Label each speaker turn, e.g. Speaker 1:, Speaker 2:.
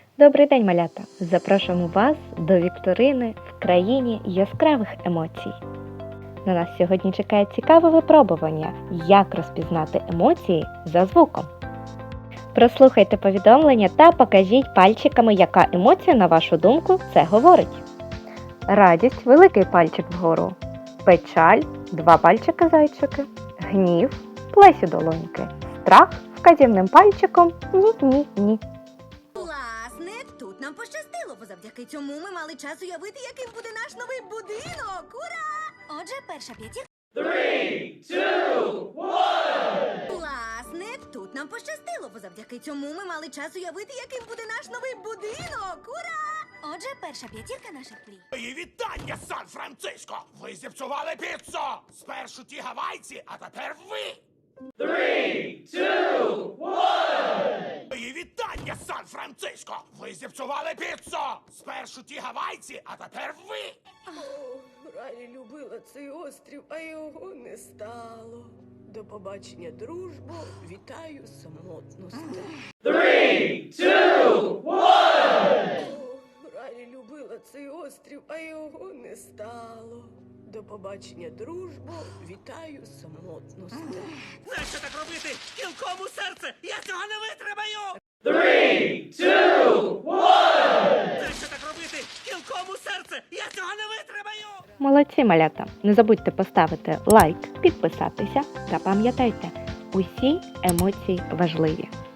Speaker 1: Добрий день, малята! Запрошуємо вас до вікторини в країні яскравих емоцій. На нас сьогодні чекає цікаве випробування, як розпізнати емоції за звуком. Прослухайте повідомлення та покажіть пальчиками, яка емоція, на вашу думку, це говорить. Радість – великий пальчик вгору. Печаль – 2 пальчики зайчики. Гнів – плесі долоньки. Страх – вказівним пальчиком ні-ні-ні.
Speaker 2: Власне, тут нам пощастило, бо завдяки цьому ми мали час уявити, яким буде наш новий будинок. Ура! Отже, перша п'ятірка.
Speaker 3: 3, 2, 1!
Speaker 2: Власне, тут нам пощастило, бо завдяки цьому ми мали час уявити, яким буде наш новий будинок. Ура! Отже, перша п'ятірка наших мрій.
Speaker 4: Мої вітання, Сан-Франциско! Ви зіпсували піцу! Спершу ті гавайці, а тепер ви!
Speaker 3: 3, 2, 1!
Speaker 4: Мої вітання, Сан-Франциско! Ви зіпсували піцу! Спершу ті гавайці, а тепер ви!
Speaker 5: Ралі любила цей острів, а його не стало. До побачення, дружбо, вітаю самотності.
Speaker 3: 3, 2, 1!
Speaker 5: Ралі любила цей острів, а його не стало. До побачення, дружбо, вітаю самотності.
Speaker 4: Нащо так робити? Кілком у серце! Я цього не витримаю!
Speaker 3: 3, 2, 1!
Speaker 4: Нащо так робити? Кілком у серце! Я цього не витримаю!
Speaker 1: Молодці, малята! Не забудьте поставити лайк, підписатися та пам'ятайте, усі емоції важливі.